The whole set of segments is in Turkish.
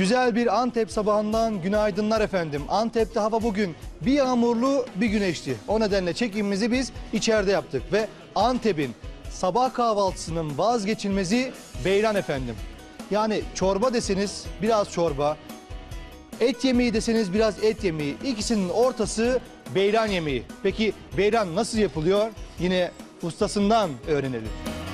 Güzel bir Antep sabahından günaydınlar efendim. Antep'te hava bugün bir yağmurlu bir güneşli. O nedenle çekimimizi biz içeride yaptık. Ve Antep'in sabah kahvaltısının vazgeçilmezi beyran efendim. Yani çorba deseniz biraz çorba, et yemeği deseniz biraz et yemeği. İkisinin ortası beyran yemeği. Peki beyran nasıl yapılıyor? Yine ustasından öğrenelim.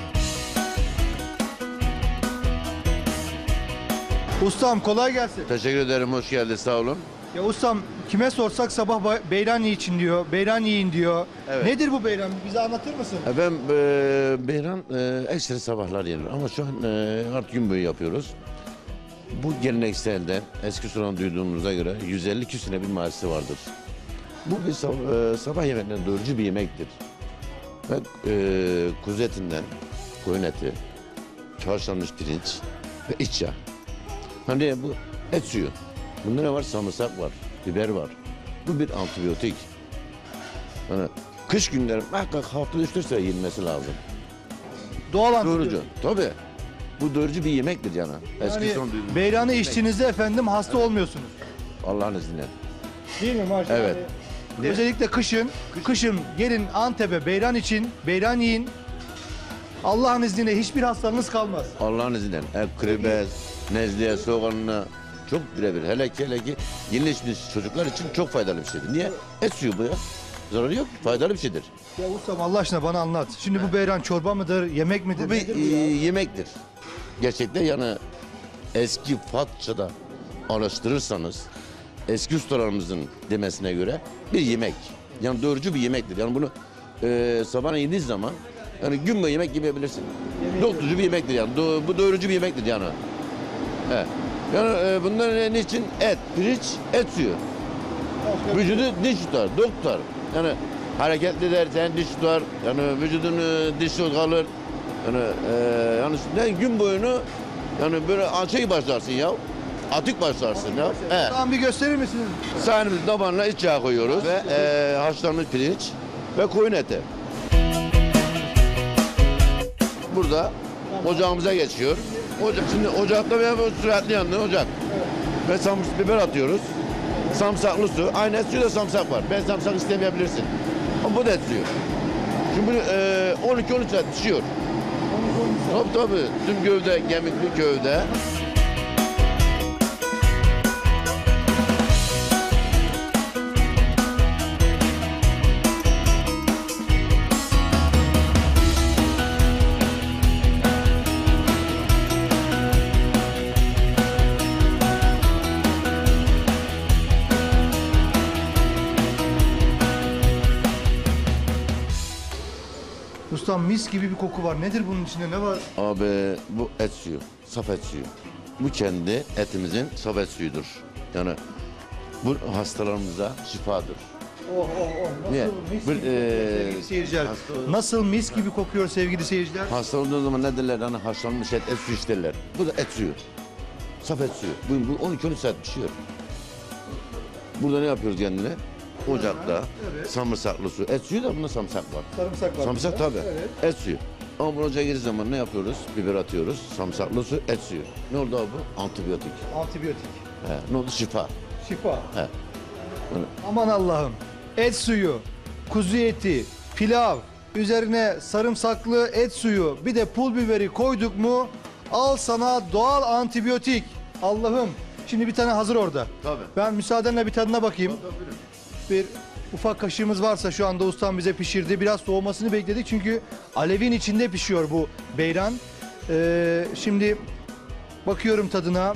Ustam kolay gelsin. Teşekkür ederim, hoş geldin, sağ olun. Ya ustam kime sorsak sabah beyran için diyor, beyran yiyin diyor. Evet. Nedir bu beyran? Bize anlatır mısın? Ben beyran ekstra sabahlar yenir ama şu an artık gün boyu yapıyoruz. Bu gelenekselden eski soran duyduğumuza göre 150 küsüne bir mahallesi vardır. Bu bir sabah yemeğinden doyurucu bir yemektir. Ve kuzu etinden koyun eti, haşlanmış pirinç ve iç yağ. Hani bu et suyu. Bunda ne var? Sarımsak var, biber var. Bu bir antibiyotik. Yani kış günleri muhakkak haftada 3-4 sefer yenmesi lazım. Doğal Doyurucu. antibiyotik. Tabii. Bu doyurucu bir yemektir yani. Eski Yani son duyduğumuz beyranı yemek. içtiğinizde efendim hasta olmuyorsunuz. Allah'ın izniyle. Değil mi maşallah? Evet. Özellikle kışın gelin Antep'e beyran için, beyran yiyin. Allah'ın izniyle hiçbir hastalığınız kalmaz. Allah'ın izniyle. Krebes, nezleye, soğanına çok birebir. Hele ki yeni yetişmiş çocuklar için çok faydalı bir şeydir. Niye? Et suyu bu ya. Zararı yok, faydalı bir şeydir. Ya ustam Allah aşkına bana anlat. Şimdi bu beyran çorba mıdır, yemek midir? Bu bir nedir bu ya? yemektir. Gerçekten yani eski Fatça'da araştırırsanız eski ustalarımızın demesine göre bir yemek. Yani doyurucu bir yemektir. Yani bunu sabahına yediğiniz zaman yani gün boyu yemek yiyebilirsin. Doyurucu bir yemektir yani. Bu doyurucu bir yemektir yani. Evet. Yani bunların için et, pirinç, et suyu. Vücudu dinç tutar, dok tutar. Yani hareketli edersen dinç tutar. Yani vücudun dinç kalır. Yani gün boyunu yani böyle şey başlarsın ya. Atık başlarsın ya. Evet. Tamam bir gösterir misiniz? Sahnemiz tabanına iç yağ koyuyoruz ve haşlanmış pirinç ve koyun eti. Burada ocağımıza geçiyor. Şimdi ocakta veya süratli yandı ocak. Ve biber atıyoruz. Samsaklı su. Aynı et suyu da samsak var. Ben samsak istemeyebilirsin. Ama bu da et suyu. Şimdi 12-13 saat pişiyor. Tabii. Tüm gövde, kemikli gövde. Ustam mis gibi bir koku var. Nedir bunun içinde? Ne var? Abi bu et suyu, saf et suyu. Bu kendi etimizin saf et suyudur. Yani bu hastalarımıza şifadır. Nasıl Niye? mis Bir, gibi kokuyor sevgili seyirciler? Nasıl mis gibi kokuyor sevgili seyirciler? Hasta olduğu zaman ne derler? Hani haşlanmış et suyu isterler. Bu da et suyu. Saf et suyu. Bu 12-13 saat pişiyor. Burada ne yapıyoruz kendine? Ocakta sarımsaklı su. Et suyu da bunda sarımsak var. Sarımsak var. Sarımsak burada. tabii. Evet. Et suyu. Ama bu ocağa girdiği zaman ne yapıyoruz? Biber atıyoruz. Sarımsaklı su, et suyu. Ne oldu abi bu? Antibiyotik. Antibiyotik. He. Ne oldu? Şifa. Şifa. He. Aman Allah'ım. Et suyu, kuzu eti, pilav, üzerine sarımsaklı et suyu, bir de pul biberi koyduk mu al sana doğal antibiyotik. Allah'ım. Şimdi bir tane hazır orada. Tabii. Ben müsaadenle bir tadına bakayım. Bir ufak kaşığımız varsa şu anda ustam bize pişirdi. Biraz soğumasını bekledik çünkü alevin içinde pişiyor bu beyran. Şimdi bakıyorum tadına.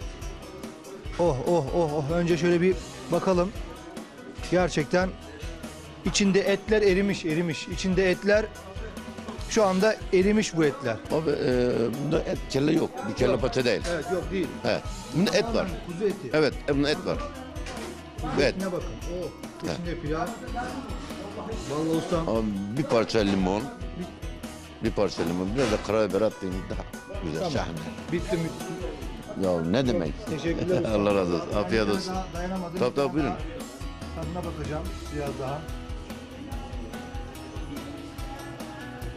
Oh. Önce şöyle bir bakalım. Gerçekten içinde etler erimiş. İçinde etler şu anda erimiş bu etler. Abi bunda et kelle yok. Bir kelle paça değil. Evet yok değil. He. Bunda et var. Kuzu eti. Evet, bunda et var. Kuzu Evet. etine bakın. İçinde pilav. Vallahi ustam. Abi bir parça limon. Bir parça limon. Biraz da karabiber attığında daha güzel. Tamam. Şahane. Bitti mi? Ya ne demek? Teşekkürler ustam. Allah razı olsun. Afiyet olsun. Daha dayanamadım. Tabii buyurun. Tadına bakacağım biraz daha.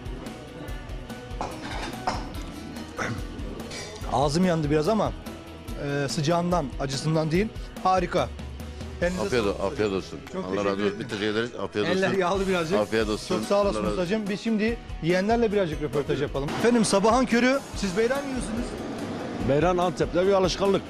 Ağzım yandı biraz ama sıcağından, acısından değil. Harika. Elinize Afiyet, sağlık. afiyet olsun. Çok Allah teşekkür razı olsun. ederim. Bir teşekkür ederiz. Afiyet olsun. Eller yağlı birazcık. Afiyet olsun. Çok sağ olasın Allah razı olsun. ustacığım. Biz şimdi yiyenlerle birazcık röportaj yapalım. Efendim sabahın körü siz beyran yiyorsunuz. Beyran Antep'te bir alışkanlık.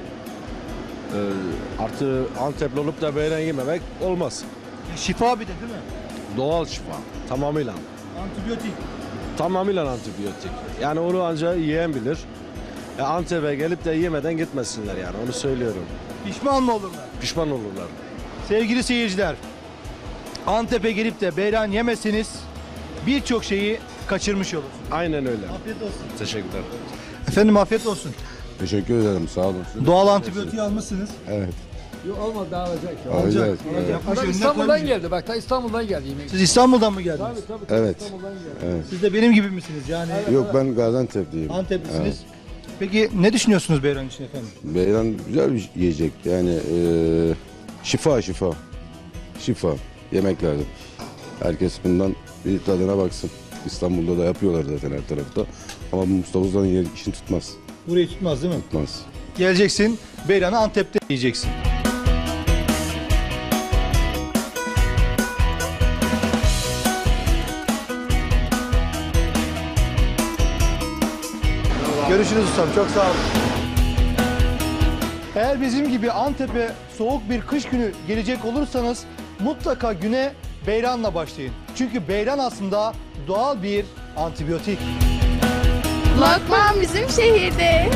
Artı Antepli olup da beyran yememek olmaz. Şifa bir de değil mi? Doğal şifa. Tamamıyla. Antibiyotik. Tamamıyla antibiyotik. Yani onu ancak yiyen bilir. Antep'e gelip de yemeden gitmesinler yani onu söylüyorum. Pişman mı olurlar? Pişman olurlar. Sevgili seyirciler, Antep'e gelip de beyran yemeseniz birçok şeyi kaçırmış olursunuz. Aynen öyle. Afiyet olsun. Teşekkürler. Efendim afiyet olsun. Teşekkür ederim, sağ olun. Doğal antibiyotiği almışsınız. Evet, Yok olmadı daha alacak. alacağız. Evet. Yapmış, Adam önüne İstanbul'dan koymuş. geldi. Bak da İstanbul'dan geldi yemek. Siz İstanbul'dan mı geldiniz? Tabii Evet. İstanbul'dan geldi. Siz de benim gibi misiniz yani? Yok, ben Gaziantep'liyim. Anteplisiniz. Peki ne düşünüyorsunuz beyran için efendim? Beyran güzel bir yiyecek. Yani şifa. Şifa. Yemek lazım. Herkes bundan bir tadına baksın. İstanbul'da da yapıyorlar zaten her tarafta. Ama bu Mustafa Usta'nın işini tutmaz. Burayı tutmaz değil mi? Tutmaz. Geleceksin, beyranı Antep'te yiyeceksin. Görüşürüz ustam, çok sağ olun. Eğer bizim gibi Antep'e soğuk bir kış günü gelecek olursanız mutlaka güne beyranla başlayın. Çünkü beyran aslında doğal bir antibiyotik. Lokman bizim şehirde.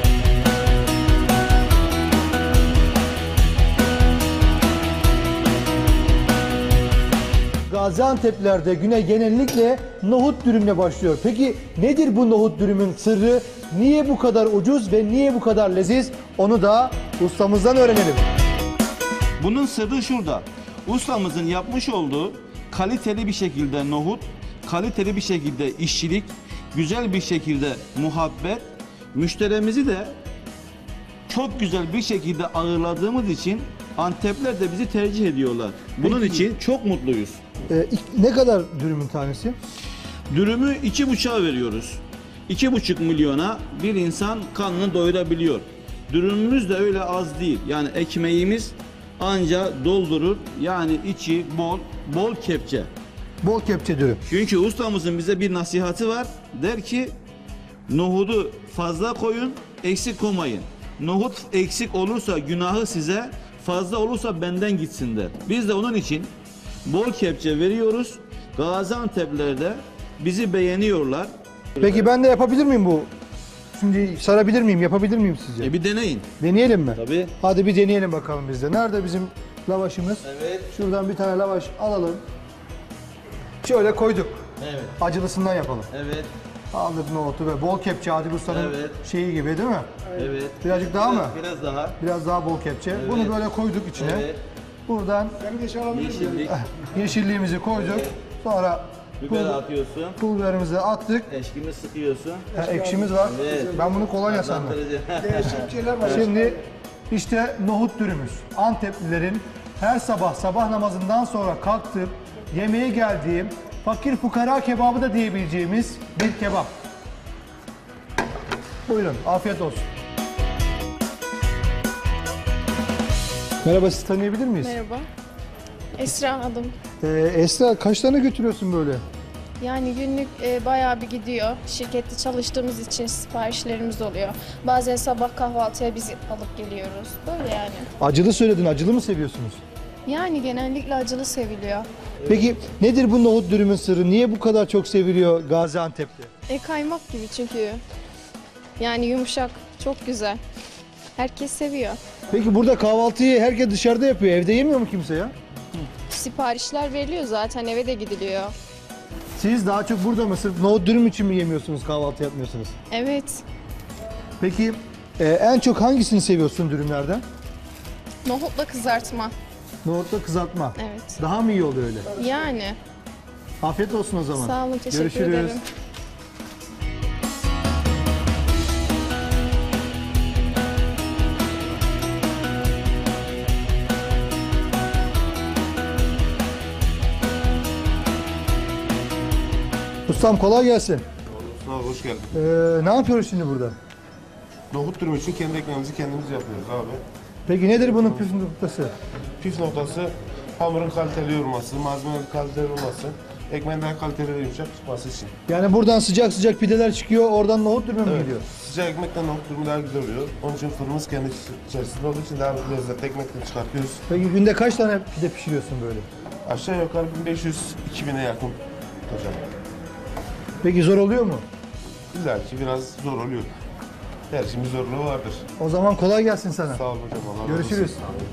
Gaziantep'lerde güne genellikle nohut dürümle başlıyor. Peki nedir bu nohut dürümün sırrı? Niye bu kadar ucuz ve niye bu kadar leziz? Onu da ustamızdan öğrenelim. Bunun sırrı şurada. Ustamızın yapmış olduğu kaliteli bir şekilde nohut, kaliteli bir şekilde işçilik, güzel bir şekilde muhabbet, müşterimizi de çok güzel bir şekilde ağırladığımız için Antepler de bizi tercih ediyorlar. Bunun Peki. için çok mutluyuz. Ne kadar dürümün tanesi? Dürümü 2,5'a veriyoruz. 2,5 milyona bir insan karnını doyurabiliyor. Dürümümüz de öyle az değil. Yani ekmeğimiz anca doldurur. Yani içi bol kepçe. Bol kepçe dürüm. Çünkü ustamızın bize bir nasihatı var. Der ki nohudu fazla koyun, eksik koymayın. Nohut eksik olursa günahı size, fazla olursa benden gitsin der. Biz de onun için bol kepçe veriyoruz. Gaziantep'liler de bizi beğeniyorlar. Peki ben de yapabilir miyim bu? Şimdi sarabilir miyim, yapabilir miyim sizce? Bir deneyin. Deneyelim mi? Tabii. Hadi bir deneyelim bakalım biz de. Nerede bizim lavaşımız? Evet. Şuradan bir tane lavaş alalım. Şöyle koyduk. Evet. Acılısından yapalım. Evet. Aldık nohutu ve bol kepçe Adil Usta'nın Evet. şeyi gibi değil mi? Evet. Birazcık daha mı? Biraz daha. Biraz daha bol kepçe. Bunu böyle koyduk içine. Evet. Buradan Yeşillik. yeşilliğimizi koyduk. Sonra Biber atıyorsun. pul biberimizi attık. Eşkimi sıkıyorsun. Ekşimiz var. Evet. Ben bunu kolonya sandım. Andırıcı. Şimdi işte nohut dürümüz. Anteplilerin her sabah namazından sonra kalktıp yemeğe geldiğim fakir fukara kebabı da diyebileceğimiz bir kebap. Buyurun, afiyet olsun. Merhaba, sizi tanıyabilir miyiz? Merhaba. Esra adım. Esra, kaç tane götürüyorsun böyle? Yani günlük bayağı bir gidiyor. Şirkette çalıştığımız için siparişlerimiz oluyor. Bazen sabah kahvaltıya biz alıp geliyoruz. Böyle yani. Acılı söyledin, acılı mı seviyorsunuz? Yani genellikle acılı seviliyor. Peki nedir bu nohut dürümün sırrı? Niye bu kadar çok seviliyor Gaziantep'te? Kaymak gibi çünkü. Yani yumuşak, çok güzel. Herkes seviyor. Peki burada kahvaltıyı herkes dışarıda yapıyor. Evde yemiyor mu kimse ya? Siparişler veriliyor zaten, eve de gidiliyor. Siz daha çok burada mı? Sırf nohut dürüm için mi yemiyorsunuz, kahvaltı yapmıyorsunuz? Evet. Peki en çok hangisini seviyorsun dürümlerden? Nohutla kızartma. Nohutla kızartma. Evet. Daha mı iyi oluyor öyle? Yani. Afiyet olsun o zaman. Sağ olun, teşekkür Görüşürüz. ederim. Ustam kolay gelsin. Sağ ol, hoş geldin. Ne yapıyoruz şimdi burada? Nohut dürüm için kendi ekmeğimizi kendimiz yapıyoruz abi. Peki nedir bunun püf noktası? Püf noktası hamurun kaliteli yoğurması, malzemenin kaliteli olması, ekmeğin daha kaliteli ve yumuşak çıkması için. Yani buradan sıcak sıcak pideler çıkıyor, oradan nohut dürüm mü gidiyor? Sıcak ekmekten nohut dürümü daha güzel oluyor. Onun için fırınımız kendi içerisinde olduğu için daha lezzetli ekmekten çıkartıyoruz. Peki günde kaç tane pide pişiriyorsun böyle? Aşağı yukarı 1500-2000'e yakın hocam. Peki zor oluyor mu? İlla ki biraz zor oluyor. Her şeyin bir zorluğu vardır. O zaman kolay gelsin sana. Sağ olun hocam. Allah razı olsun. Görüşürüz.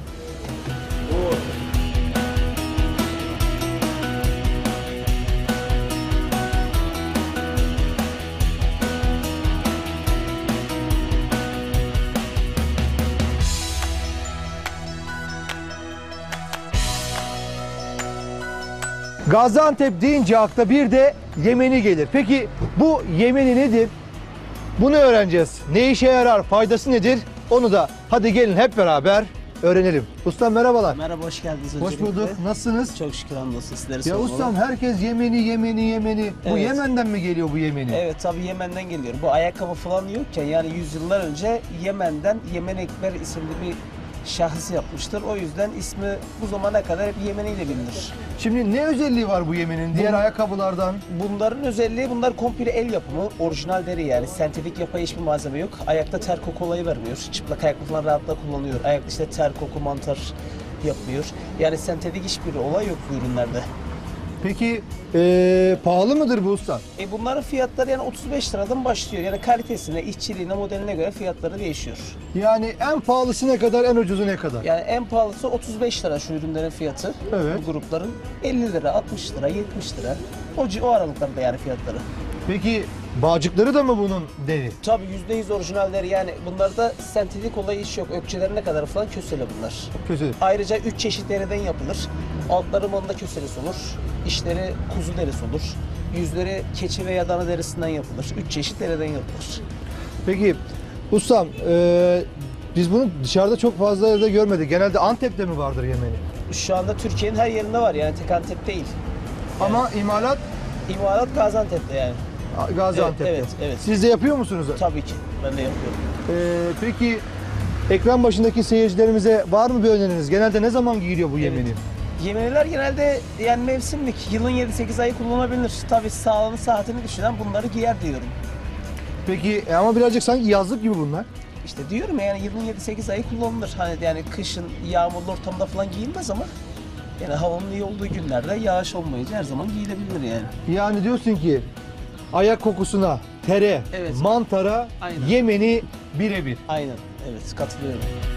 Gaziantep deyince akla bir de Yemeni gelir. Peki bu Yemeni nedir? Bunu öğreneceğiz. Ne işe yarar, faydası nedir? Onu da hadi gelin hep beraber öğrenelim. Ustam merhabalar. Merhaba, hoş geldiniz Hoş öncelikle. bulduk. Nasılsınız? Çok şükür hamdolsun, sizleri Ya sormalı. ustam herkes Yemeni. Bu Evet. Yemen'den mi geliyor bu Yemeni? Evet, tabii Yemen'den geliyor. Bu ayakkabı falan yokken yani yüzyıllar önce Yemen'den Yemen Ekber isimli bir şahıs yapmıştır. O yüzden ismi bu zamana kadar hep Yemeni ile bilinir. Şimdi ne özelliği var bu Yemen'in diğer ayakkabılardan? Bunların özelliği, bunlar komple el yapımı, orijinal deri yani sentetik yapay hiçbir malzeme yok. Ayakta ter koku olayı vermiyor. Çıplak ayaklı falan rahatlıkla kullanıyor. Ayakta işte ter koku, mantar yapmıyor. Yani sentetik hiçbir olay yok bu ürünlerde. Peki pahalı mıdır bu usta? Bunların fiyatları yani 35 liradan başlıyor. Yani kalitesine, işçiliğine, modeline göre fiyatları değişiyor. Yani en pahalısı ne kadar, en ucuzu ne kadar? Yani en pahalısı 35 lira şu ürünlerin fiyatı. Evet. Bu grupların 50 lira, 60 lira, 70 lira. O aralıklarda yani fiyatları. Peki bağcıkları da mı bunun deri? Tabii %100 orijinal deri, yani bunlarda sentetik olayı hiç yok. Ökçelerine kadar falan kösele bunlar. Kötü. Ayrıca 3 çeşit deriden yapılır. Altları manda köselesi olur. İçleri kuzu derisi olur. Yüzleri keçi veya dana derisinden yapılır. 3 çeşit deriden yapılır. Peki ustam biz bunu dışarıda çok fazla yerde görmedik. Genelde Antep'te mi vardır Yemeni? Şu anda Türkiye'nin her yerinde var, yani tek Antep değil. Ama imalat İmalat Gaziantep'te yani. Gaziantep'te. Evet. Siz de yapıyor musunuz? Tabii ki, ben de yapıyorum. Peki ekran başındaki seyircilerimize var mı bir öneriniz? Genelde ne zaman giyiliyor bu Yemeni? Yemeniler genelde yani mevsimlik, yılın 7-8 ayı kullanabilir. Tabii sağlığını, saatini düşünen bunları giyer diyorum. Peki ama birazcık sanki yazlık gibi bunlar. İşte diyorum ya, yani yılın 7-8 ayı kullanılır. Hani yani kışın yağmurlu ortamda falan giyilmez ama yani havanın iyi olduğu günlerde yağış olmayınca her zaman giyilebilir yani. Yani diyorsun ki ayak kokusuna, tere, Evet. mantara, Aynen. Yemeni birebir. Aynen, evet, katılıyorum.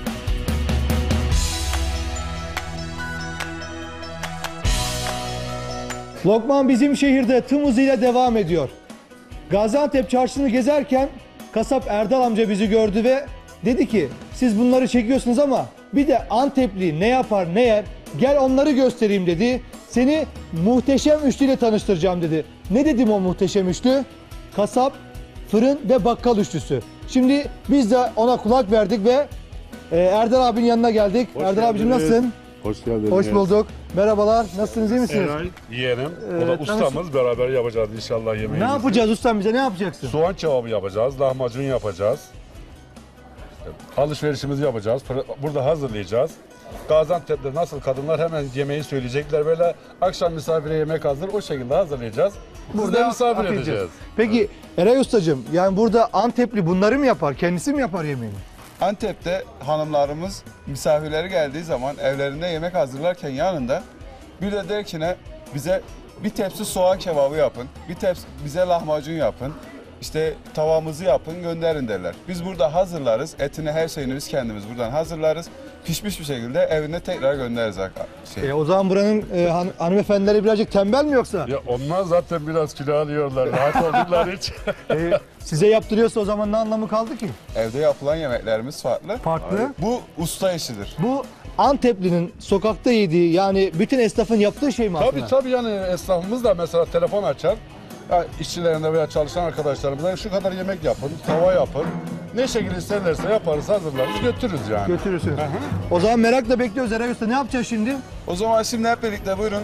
Lokman bizim şehirde tüm hızıyla devam ediyor. Gaziantep çarşısını gezerken kasap Erdal amca bizi gördü ve dedi ki siz bunları çekiyorsunuz ama bir de Antepli ne yapar ne yer, gel onları göstereyim dedi. Seni muhteşem üçlüyle tanıştıracağım dedi. Ne dedim o muhteşem üçlü? Kasap, fırın ve bakkal üçlüsü. Şimdi biz de ona kulak verdik ve Erdal abinin yanına geldik. Erdal abicim nasılsın? Hoş geldiniz. Hoş bulduk. Merhabalar. Nasılsınız? İyi misiniz? Eray yeğenim. O da Evet, ustamız. Beraber yapacağız inşallah yemeğimizi. Ne yapacağız ustam, bize ne yapacaksın? Soğan kebabı yapacağız. Lahmacun yapacağız. Alışverişimizi yapacağız. Burada hazırlayacağız. Gaziantep'te nasıl kadınlar hemen yemeği söyleyecekler. Böyle akşam misafire yemek hazır. O şekilde hazırlayacağız. Burada misafir afiyet edeceğiz. olsun. Peki Eray ustacığım, yani burada Antepli bunları mı yapar? Kendisi mi yapar yemeğini? Antep'te hanımlarımız misafirleri geldiği zaman evlerinde yemek hazırlarken yanında bir de der ki ne, bize bir tepsi soğan kebabı yapın, bir tepsi bize lahmacun yapın, işte tavamızı yapın gönderin derler. Biz burada hazırlarız, etini her şeyini biz kendimiz buradan hazırlarız. Pişmiş bir şekilde evine tekrar göndeririz. O zaman buranın hanımefendileri birazcık tembel mi yoksa? Ya onlar zaten biraz kilo alıyorlar. Rahat oldukları için. Size yaptırıyorsa o zaman ne anlamı kaldı ki? Evde yapılan yemeklerimiz farklı. Farklı. Bu usta işidir. Bu Anteplinin sokakta yediği, yani bütün esnafın yaptığı şey mi aslında? Tabii yani esnafımız da mesela telefon açar. Ya işçilerine veya çalışan arkadaşlarımıza şu kadar yemek yapın, tava yapın. Ne şekilde isterlerse yaparız, hazırlarız, götürürüz yani. Götürürsünüz. O zaman merakla bekliyoruz Eray Usta. Ne yapacağız şimdi? O zaman şimdi hep birlikte buyurun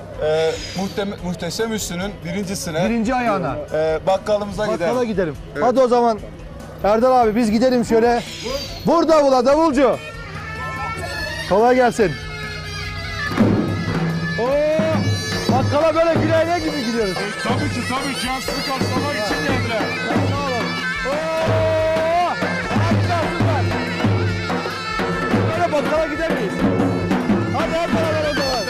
muhteşem üstünün birincisine. Birinci ayağına. Bakkalımıza gidelim. Bakkala gidelim. Evet. Hadi o zaman Erdal abi biz gidelim şöyle. Vur davula davulcu. Kolay gelsin. Oo, bakkala böyle gülayla gibi gidiyoruz. Tabii ki yansıtı karşılamak için geldiler. Sağ olun. Oo, harikasınlar. Böyle bakkala gidemeyiz. Hadi hep beraber o zaman.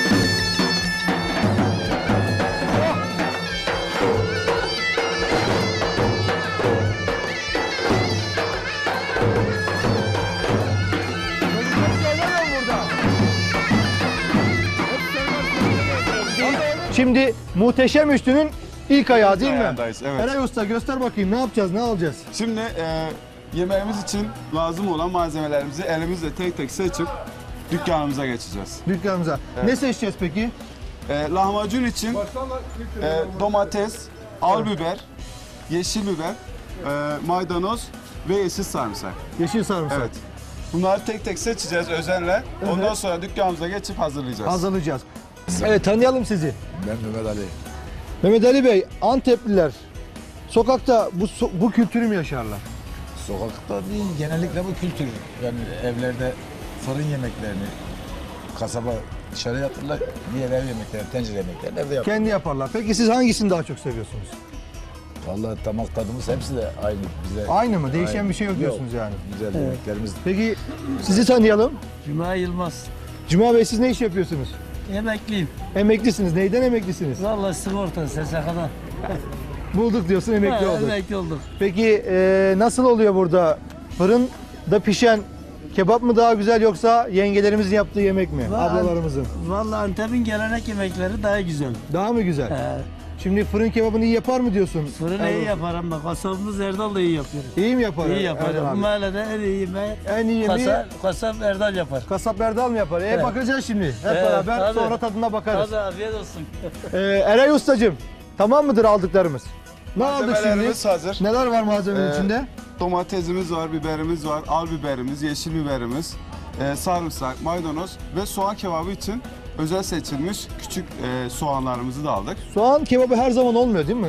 Şimdi Muhteşem Üçlü'nün ilk ayağı değil mi? ayağındayız, evet. Eray Usta göster bakayım ne yapacağız, ne alacağız? Şimdi yemeğimiz için lazım olan malzemelerimizi elimizle tek tek seçip dükkanımıza geçeceğiz. Dükkanımıza. Ne seçeceğiz peki? Lahmacun için domates, al biber, yeşil biber, maydanoz ve yeşil sarımsak. Yeşil sarımsak. Evet. Bunları tek tek seçeceğiz özenle. Ondan sonra dükkanımıza geçip hazırlayacağız. Hazırlayacağız. Evet tanıyalım sizi. Ben Mehmet Ali. Mehmet Ali Bey, Antepliler sokakta bu kültürü mü yaşarlar? Sokakta değil, genellikle bu kültür. Yani evlerde fırın yemeklerini, kasaba dışarı yatırırlar, diğer ev yemeklerini, tencere yemeklerini evde yaparlar. Kendi yaparlar. Peki siz hangisini daha çok seviyorsunuz? Vallahi damak tadımız hepsi de aynı. Bize Aynı mı? Değişen aynı. bir şey yok diyorsunuz yani. Güzel yemeklerimiz. Peki sizi tanıyalım. Cuma Yılmaz. Cuma Bey siz ne iş yapıyorsunuz? Emekliyim. Emeklisiniz. Neyden emeklisiniz? Vallahi sigorta SSK'dan. Bulduk diyorsun, emekli olduk. Emekli olduk. Peki nasıl oluyor burada? Fırında pişen kebap mı daha güzel yoksa yengelerimizin yaptığı yemek mi? Ablalarımızın. Vallahi Antep'in gelenek yemekleri daha güzel. Daha mı güzel? Şimdi fırın kebabını iyi yapar mı diyorsun? Fırın iyi yapar ama kasabımız Erdal da iyi yapıyor. İyi mi yapar? İyi yapar. Erdal Bu abi? mahallede en iyi yemeği En iyi yemeği kasap Erdal yapar. kasap Erdal mı yapar? Evet. Bakacağız şimdi. Hep Evet, beraber tabii. sonra tadına bakarız. Hadi afiyet olsun. Eray Ustacığım, tamam mıdır aldıklarımız? Ne aldık şimdi? Malzemelerimiz hazır. Neler var malzemenin içinde? Domatesimiz var, biberimiz var, al biberimiz, yeşil biberimiz, sarımsak, maydanoz ve soğan kebabı için özel seçilmiş küçük soğanlarımızı da aldık. Soğan kebabı her zaman olmuyor değil mi?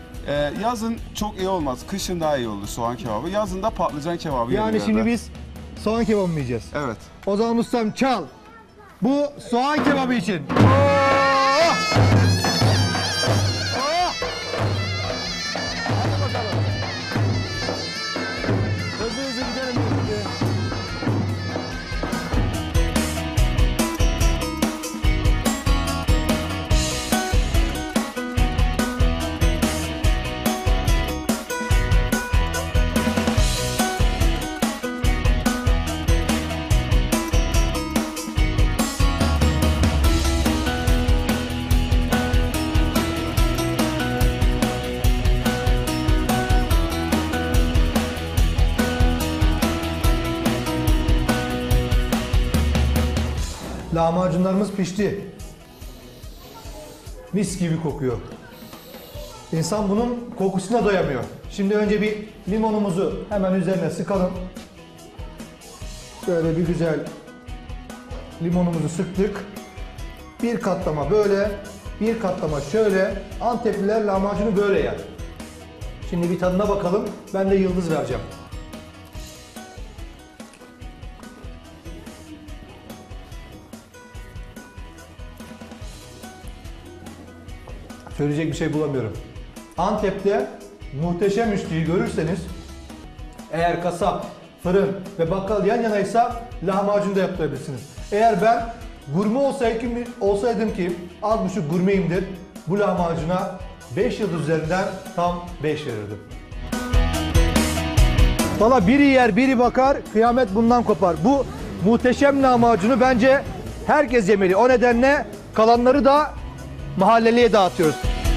Yazın çok iyi olmaz, kışın daha iyi olur soğan kebabı. Yazın da patlıcan kebabı Yani yenir şimdi evde. biz soğan kebabı mı yiyeceğiz? Evet. O zaman ustam çal. Bu soğan kebabı için. Oh! Oh! Hadi bakalım. Hızlı hızlı gidelim şimdi. Lahmacunlarımız pişti. Mis gibi kokuyor. İnsan bunun kokusuna doyamıyor. Şimdi önce bir limonumuzu hemen üzerine sıkalım. Böyle bir güzel limonumuzu sıktık. Bir katlama böyle, bir katlama şöyle. Antepliler lahmacunu böyle yer. Şimdi bir tadına bakalım. Ben de yıldız vereceğim. Söyleyecek bir şey bulamıyorum. Antep'te Muhteşem Üçlü'yü görürseniz eğer kasap, fırın ve bakkal yan yanaysa lahmacun da yaptırabilirsiniz. Eğer ben gurme olsaydım ki az buçuk gurmeyimdir, bu lahmacuna 5 yıldız üzerinden tam 5 verirdim. Valla biri yer biri bakar, kıyamet bundan kopar. Bu muhteşem lahmacunu bence herkes yemeli. O nedenle kalanları da mahalleliye dağıtıyoruz.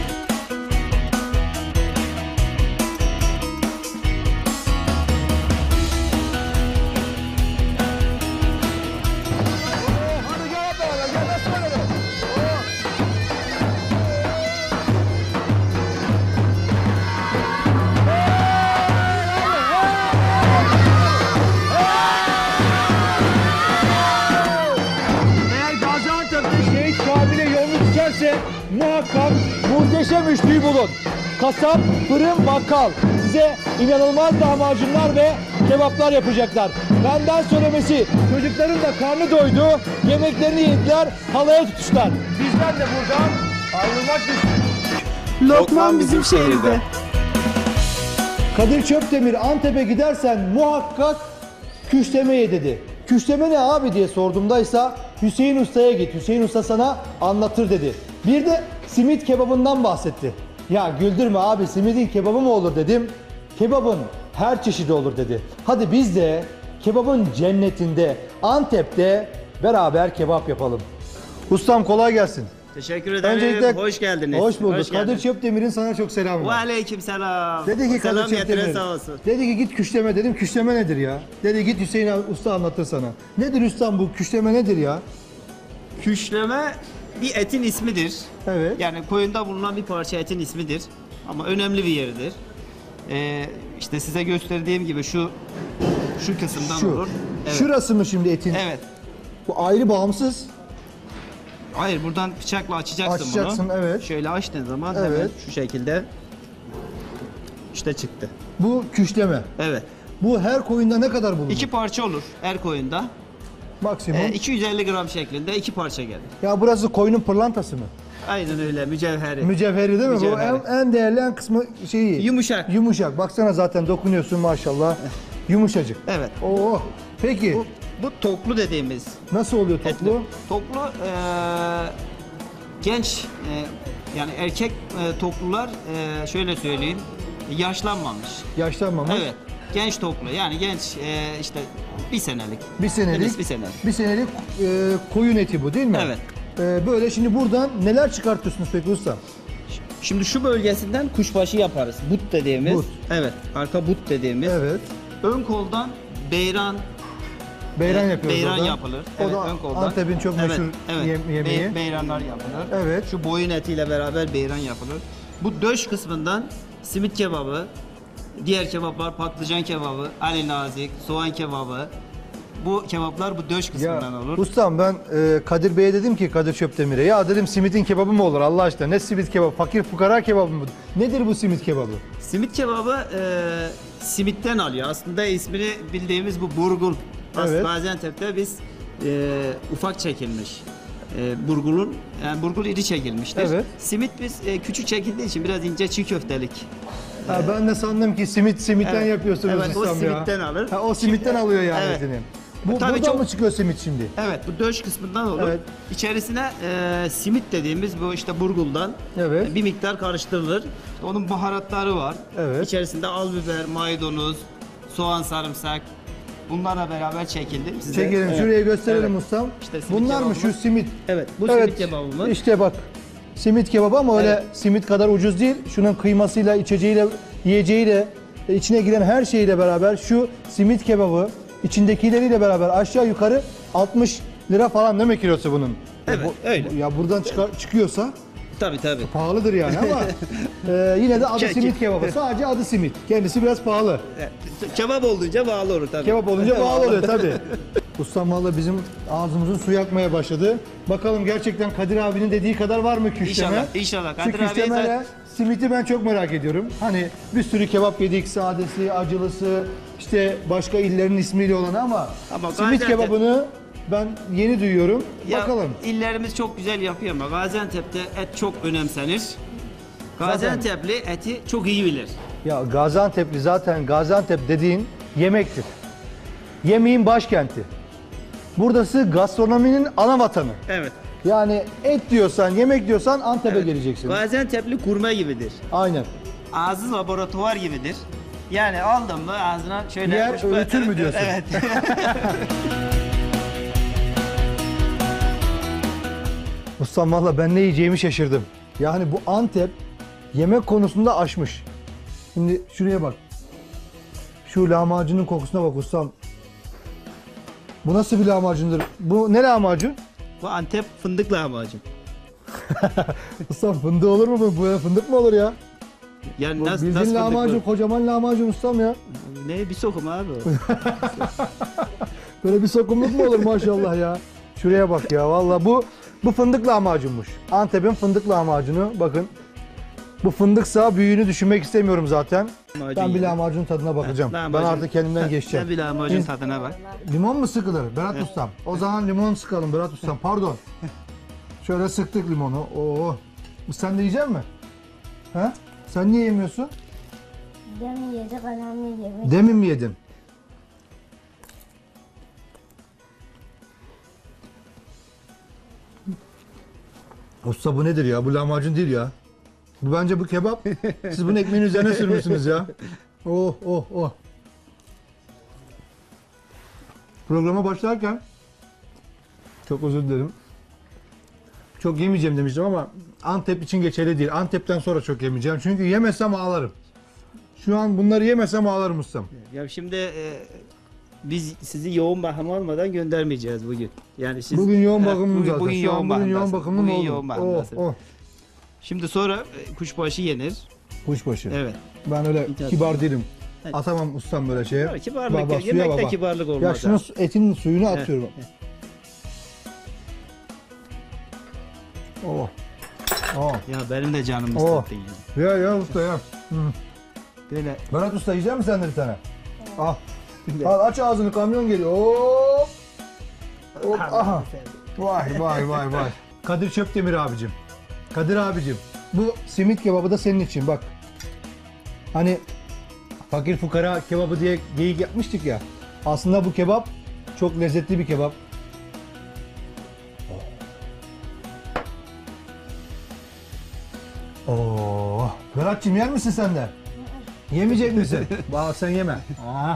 Eğer Gaziantep'te Şehit Kamil'e yolunu düşerse muhakkak Muhteşem Üçlü'yü bulun. Kasap, fırın, bakkal. bize inanılmaz lahmacunlar ve kebaplar yapacaklar. Benden söylemesi, çocukların da karnı doydu, yemeklerini yediler, halaya tutuşlar. Bizler de buradan ayrılmak düştük. Lokman bizim şehirde. Kadir Çöpdemir, Antep'e gidersen muhakkak küşleme ye dedi. Küşleme ne abi diye sorduğumdaysa Hüseyin Usta'ya git. Hüseyin Usta sana anlatır dedi. Bir de simit kebabından bahsetti. Ya güldürme abi, simidin kebabı mı olur dedim. Kebabın her çeşidi olur dedi. Hadi biz de kebabın cennetinde Antep'te beraber kebap yapalım. Ustam kolay gelsin. Teşekkür ederim. Öncelikle hoş geldiniz. Hoş bulduk. Hoş Kadir geldiniz. Çöpdemir'in sana çok selamı Ve var. aleyküm selam. Dedi ki Selam Kadir getirin Çöpdemir. sağ olsun. Dedi ki git küşleme dedim. Küşleme nedir ya? Dedi git Hüseyin Usta anlatır sana. Nedir ustam bu küşleme nedir ya? Küşleme bir etin ismidir. Evet. Yani koyunda bulunan bir parça etin ismidir. Ama önemli bir yeridir. İşte size gösterdiğim gibi şu kısımdan olur. Evet. Şurası mı şimdi etin? Evet. Bu ayrı bağımsız. Hayır, buradan bıçakla açacaksın Açacaksın, bunu. evet. Şöyle açtığın zaman Evet. hemen şu şekilde işte çıktı. Bu küşleme. Evet. Bu her koyunda ne kadar bulunur? 2 parça olur her koyunda. Maksimum. 250 gram şeklinde 2 parça gelir. Ya burası koyunun pırlantası mı? Aynen öyle, mücevheri. Mücevheri değil mi? Mücevheri. Bu en değerli en kısmı şeyi. Yumuşak. Yumuşak. Baksana zaten dokunuyorsun maşallah. Yumuşacık. Evet. Oo. Peki. Bu toklu dediğimiz. Nasıl oluyor toplu? Etli. Toklu genç yani erkek toklular şöyle söyleyeyim, yaşlanmamış. Yaşlanmamış. Evet. Genç toklu yani genç işte bir senelik. Bir senelik. Henüz bir senelik. Bir senelik koyun eti bu değil mi? Evet. Böyle şimdi buradan neler çıkartıyorsunuz peki usta? Şimdi şu bölgesinden kuşbaşı yaparız. But dediğimiz. But. Evet. Arka but dediğimiz. Evet. Ön koldan beyran Beyran yapıyoruz beyran orada. yapılır. O Evet, da ön koldan. Antep'in çok meşhur yemeği. Beyranlar yapılır. Evet. Şu boyun etiyle beraber beyran yapılır. Bu döş kısmından simit kebabı, diğer kebaplar patlıcan kebabı, ali nazik, soğan kebabı. Bu kebaplar bu döş kısmından olur. Ustam ben Kadir Bey'e dedim ki Kadir Çöpdemir'e ya dedim simitin kebabı mı olur Allah aşkına ne simit kebabı fakir fukara kebabı mı? Nedir bu simit kebabı? Simit kebabı simitten alıyor. Aslında ismini bildiğimiz bu burgul. Evet. Gaziantep'te biz ufak çekilmiş. Burgul iri çekilmiştir. Evet. Simit biz küçük çekildiği için biraz ince çiğ köftelik. Ha, ben de sandım ki simitten Evet. yapıyorsunuz Evet, o ustam ya. simitten alır. Ha, o simitten alıyor yani Evet. etini. Tabii Buradan çok- mı çıkıyor simit şimdi? Evet, bu döş kısmından olur. Evet. İçerisine simit dediğimiz bu işte burguldan Evet. bir miktar karıştırılır. Onun baharatları var. Evet. İçerisinde al biber, maydanoz, soğan, sarımsak bunlarla beraber çekildi. Size- Çekelim Evet. şuraya gösterelim Evet. ustam. İşte simit Bunlar mı kebabımız. şu simit? Evet, bu Evet, simit kebabımız. İşte bak simit kebabı ama öyle Evet. simit kadar ucuz değil. Şunun kıymasıyla, içeceğiyle, yiyeceğiyle, içine giren her şeyle beraber şu simit kebabı içindekileriyle beraber aşağı yukarı 60 lira falan değil mi kilosu bunun? Evet, öyle. Ya buradan çıkıyorsa Tabii tabii. pahalıdır yani ama yine de adı Çek- simit kebabı. Sadece adı simit. Kendisi biraz pahalı. Kebap olduğunca bağlı olur tabii. Kebap olunca pahalı oluyor tabii. Ustam valla bizim ağzımızın suyu akmaya başladı. Bakalım gerçekten Kadir abinin dediği kadar var mı küşleme? İnşallah, inşallah. Şu Kadir abiye küşlemeyle simiti ben çok merak ediyorum. Hani bir sürü kebap yedik, sadesi, acılısı, işte başka illerin ismiyle olanı ama simit Gaziantep- kebabını ben yeni duyuyorum. Ya, Bakalım. illerimiz çok güzel yapıyor ama Gaziantep'te et çok önemsenir. Gaziantep'li eti çok iyi bilir. Ya Gaziantep'li zaten Gaziantep dediğin yemektir. Yemeğin başkenti. Burası gastronominin ana vatanı. Evet. Yani et diyorsan, yemek diyorsan Antep'e Evet. geleceksin. Gaziantep'li kurme gibidir. Aynen. Ağzı laboratuvar gibidir. Yani aldın mı ağzına şöyle... Yer öğütür mü diyorsun? Evet. Ustam valla ben ne yiyeceğimi şaşırdım. Yani bu Antep yemek konusunda aşmış. Şimdi şuraya bak. Şu lahmacunun kokusuna bak ustam. Bu nasıl bir lahmacundur? Bu ne lahmacun? Bu Antep fındık lahmacun. Ustam fındığı olur mu bu? Böyle fındık mı olur ya? Yani Bu nasıl bildiğin lahmacun, fındık kocaman lahmacun ustam ya. bu? Ne bir sokum abi o. Böyle bir sokumluk mu olur maşallah ya? Şuraya bak ya valla bu fındık lahmacunmuş. Antep'in fındık lahmacunu bakın. Bu fındıksa büyüğünü düşünmek istemiyorum zaten. Lahmacun Ben bir yedim. lahmacun tadına bakacağım. Ben Lahmacun. artık kendimden geçeceğim. Sen bir lahmacun Biz- tadına bak. Limon mu sıkılır Berat Ustam? O zaman limon sıkalım Berat Ustam. Pardon. Şöyle sıktık limonu. Oo. Sen de yiyecek misin? He? Sen niye yemiyorsun? Demin yedik, anam yedik. Demin mi yedin? Usta bu nedir ya? Bu lahmacun değil ya. Bu bence bu kebap. Siz bunu ekmeğin üzerine sürmüşsünüz ya. Oh oh oh. Programa başlarken çok özür dilerim. Çok yemeyeceğim demiştim ama Antep için geçerli değil. Antep'ten sonra çok yemeyeceğim. Çünkü yemesem ağlarım. Şu an bunları yemesem ağlarım ustam. Ya şimdi biz sizi yoğun bakım olmadan göndermeyeceğiz bugün. Yani siz Bugün yoğun bakımım zaten. Bugün Şu an yoğun bugün yoğun bakımdasınız. bakımım Bugün oldu. yoğun bakımdasınız. Oh, oh. Şimdi sonra kuşbaşı yenir. Kuşbaşı. Evet. Ben öyle kibar değilim. Evet. Atamam ustam böyle şeye. Ya, kibarlık, Baba, suya yemekte baba. kibarlık olmaz. Ya şunu etinin suyunu Evet. atıyorum. Oh. Oh. Ya benim de canım Oh. istetti yani. Ya usta ya. Hı. Böyle Berat usta yiyecek misin sen de bir tane? Al. Al aç ağzını, kamyon geliyor. Hop. Hop. Aha. Vay vay vay vay. Kadir Çöpdemir abicim. Kadir abicim. Bu simit kebabı da senin için bak. Hani fakir fukara kebabı diye geyik yapmıştık ya. Aslında bu kebap çok lezzetli bir kebap. Oo. Berat'cığım yer misin sen de? Yemeyecek misin? Bak sen yeme. Aa.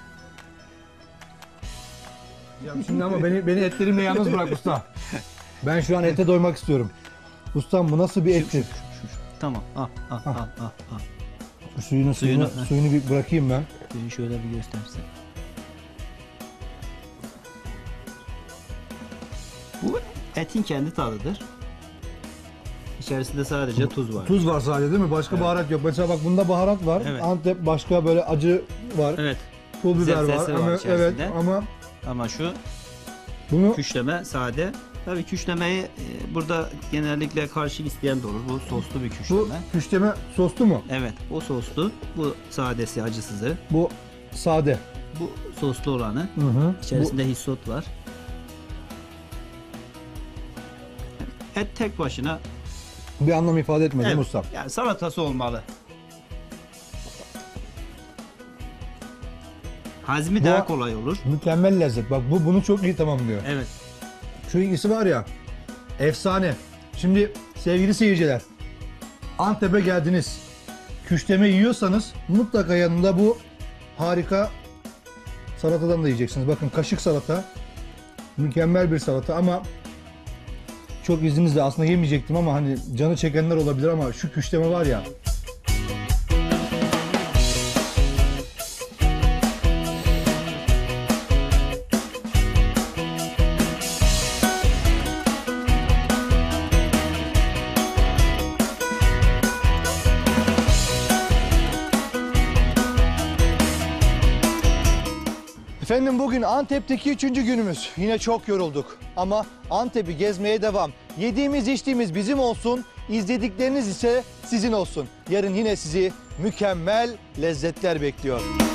Ya şimdi ama beni etlerimle yalnız bırak usta. Ben şu an ete doymak istiyorum. Ustam bu nasıl bir ettir? tamam. Al. Şu suyunu bir bırakayım ben. Beni şöyle bir göstersen. Bu etin kendi tadıdır. İçerisinde sadece tuz var. Tuz var sadece değil mi? Başka baharat yok. Mesela bak bunda baharat var. Evet. Antep başka böyle acı var. Evet. Pul biber var. Zevzesi var Ama, evet içerisinde. ama şu bunu küşleme sade. Tabii küşlemeyi burada genellikle karşı isteyen de olur. Bu soslu bir küşleme. bu küşleme soslu mu? Evet, o soslu. Bu sadesi, acısızı. Bu sade. Bu soslu olanı. Hı hı. İçerisinde hissot var. Et tek başına. Bu bir anlam ifade etmez değil mi ustam? Yani salatası olmalı. Hazmi Bu- daha kolay olur. Mükemmel lezzet. Bak bu bunu çok iyi tamamlıyor. Evet. Şu ikisi var ya, efsane. Şimdi sevgili seyirciler, Antep'e geldiniz. Küşleme yiyorsanız mutlaka yanında bu harika salatadan da yiyeceksiniz. Bakın kaşık salata. Mükemmel bir salata ama çok izninizle aslında yemeyecektim ama hani canı çekenler olabilir ama şu küşleme var ya. Efendim bugün Antep'teki 3. günümüz. Yine çok yorulduk ama Antep'i gezmeye devam. Yediğimiz içtiğimiz bizim olsun, izledikleriniz ise sizin olsun. Yarın yine sizi mükemmel lezzetler bekliyor.